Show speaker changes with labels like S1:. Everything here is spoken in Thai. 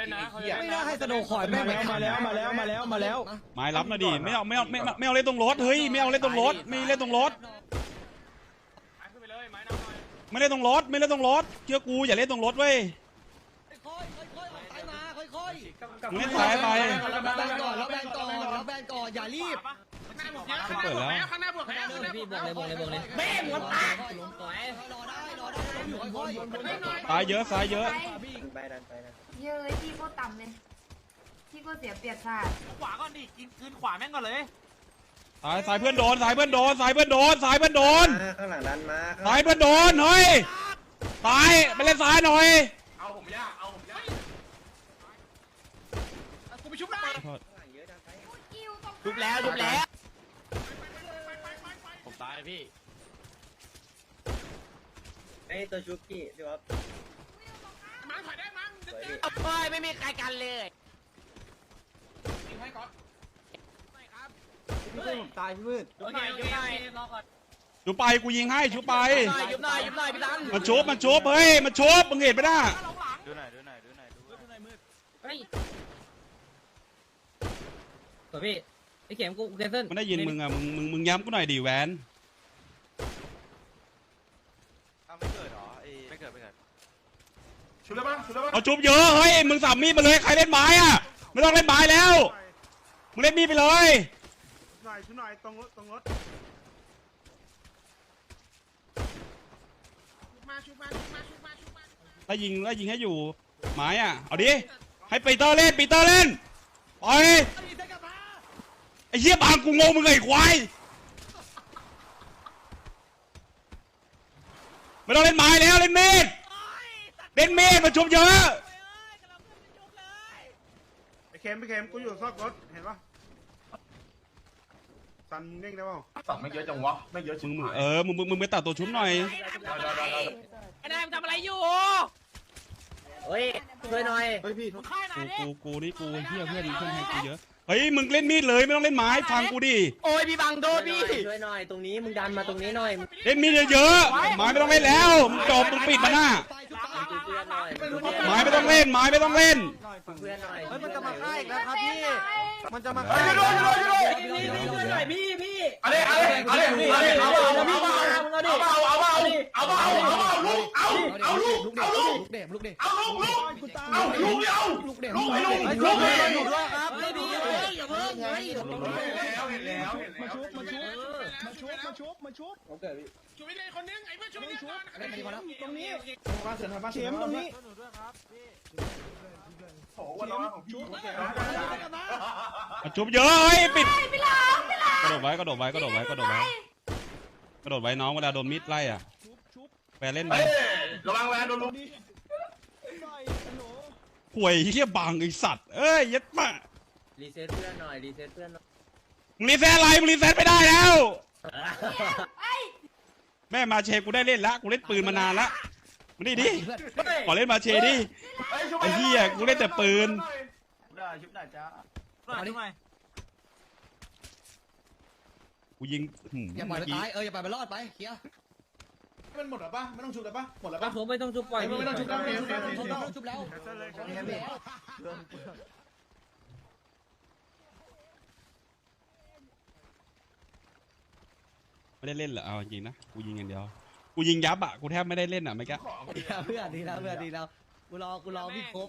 S1: ไม่น่าให้สโนว์คอยแม่งมาแล้ว
S2: ไม้รับนะดิไม่เอาเล่นตรงรถเฮ้ยไม่เอาเล่นตรงรถไม่เล่นตรงรถไม่เล่นตรงรถไม่เล่นตรงรถเชื่อกูอย่าเล่นตรงรถเว้ย
S1: ค่อยๆซ้ายมาค่อยๆ
S2: มึงเล่นซ้ายไป
S1: แล้วแบนก่อนอย่ารีบ
S2: ไม่เปิดแล้ว
S3: พี่บวกเลย
S1: แม่งมันตายรอได้ค่อย
S2: ซ้ายเยอะซ้ายเยอะ
S4: เยอะที่โคตรต่ำเลยที่โคตรเสียเปรียบชาติ
S5: ขวาก่อนดิกินคืนขวาแม่งก่อนเลย
S2: ซ้ายเพื่อนโดนซ้ายเพื่อนโดนซ้ายเพื่อนโดนซ้ายเพื่อนโดน
S6: ข้างหลังดันมา
S2: ซ้ายเพื่อนโดนเฮ้ยซ้ายไปเล่นซ้ายหน่อย
S5: เอาผมยากกูไปชุบได้
S4: ทุบแล้ว
S3: ผมตายพี่
S6: ไอ้ตัวชุบกี้พี่ว่า
S5: มั้งถอยได้มั้ง
S3: ไม่มีใครกันเลย
S5: ให้ก่อน
S1: ตายพี่มืด
S3: โอเครอก่อน
S2: ชูไปกูยิงให้ชูไป
S3: ยุบหน่อยพี่ตัง
S2: มันชุบเฮ้ยมันชุบมึงเห็นไหมน่ะ
S5: ดูหน่อย
S3: เฮ้ยตัวพี่ไอ้เข็มกูแคนเซิล
S2: มันได้ยินมึงอ่ะมึงย้ำกูหน่อยดิแวน
S5: ชุบได้ปะ
S2: เอาชุบเยอะเฮ้ยมึงสับมีดมาเลยใครเล่นไม้อ่ะไม่ต้องเล่นไม้แล้วมึงเล่นมีดไปเลย
S5: ชุบหน่อยตรงรถชุบมา
S2: ถ้ายิงให้อยู่ไม้อ่ะเอาดิให้ปีเตอร์เล่นไปไอ้เหี้ยบางกูงงมึงไอ้ควายไม่ต้องเล่นไม้แล้วเล่นมีดมาชุบเยอะ
S5: ไอ้เข็มกูอยู่ซอกรถเห็นปะสันเด้งได้ป่ะสับไม่เยอะจังวะไม่เยอะ
S2: มึงไปตัดตัวชุบหน่อย
S3: ไอ้นายมันทำอะไรอยู่
S6: เฮ้ยช่วยหน่อย
S5: ค่ายนายดิ
S2: กูนี่กูเหี้ยเพื่อนให้กูเยอะเฮ้ยมึงเล่นมีดเลยไม่ต้องเล่นไม้ฟังกูดิ
S3: โอ้ยพี่บังโดนพี่
S6: ช่วยหน่อยตรงนี้มึงดันมาตรงนี้หน่อย
S2: เล่นมีดเยอะๆไม้ไม่ต้องเล่นแล้วมึงจบมึงปิดมันหน้า
S6: เพื่อนหน่อย
S2: ไม้ไม่ต้องเล่น
S6: เพื่อนหน่อย
S1: มันจะมาฆ่าอีกแล้วครับพี่มันจะมา
S5: ช่วยด้วย
S3: พี่
S5: อะไรเอาลูก
S1: ลูกเด็ก
S5: ลูก
S1: อยู่ด้วยครับ
S3: ไม่พี่อย่าเพิ่งเฮ้ย
S5: แล้ว
S1: มาชุบ
S5: ช่วยเลยคนนึงไอ้เพื่อนช่วยเลยก่อน
S1: ตรงนี้เข็มตรงนี้
S5: โอ้วันน้องของชุบ
S2: มาชุบเยอะเฮ้ยปิด
S4: พี่หลาม
S2: กระโดดไว้น้องเวลาโดนมิดไล่อ่ะแปรเล่นไประ
S5: วังแวนโดนลุก
S2: ป่วยเหี้ยบังไอสัตว์เอ้ยยัดมา
S6: รีเซ็ตเพื่อนหน่อย
S2: มึงรีเซ็ตอะไรมึงรีเซ็ตไม่ได้แล้ว
S4: ไอ้
S2: แม่มาเชกูได้เล่นละกูเล่นปืนมานานละมาดิขอเล่นมาเชดิไอ้เหี้ยกูเล่นแต่ปืน
S5: ได้ชุบได้จ้า
S2: กูยิง
S1: อย่าปล่อยมันตายอย่าปล่อยมันรอดไปเคลียร์
S5: มันหมดหรอปะไม่ต้องชุบหรอปะหมดแล้วปะ
S3: ผมไม่ต้องชุบปล่อย
S5: ไม่ต้องชุบแล้ว
S1: ชุบแล้ว
S2: ไม่ได้เล่นเหรอเอาจริงนะกูยิงอย่างเดียวกูยิงยับอ่ะกูแทบไม่ได้เล่นอ่ะไม่แก
S1: เพื่อนดีแล้วกูรอพี่ครบ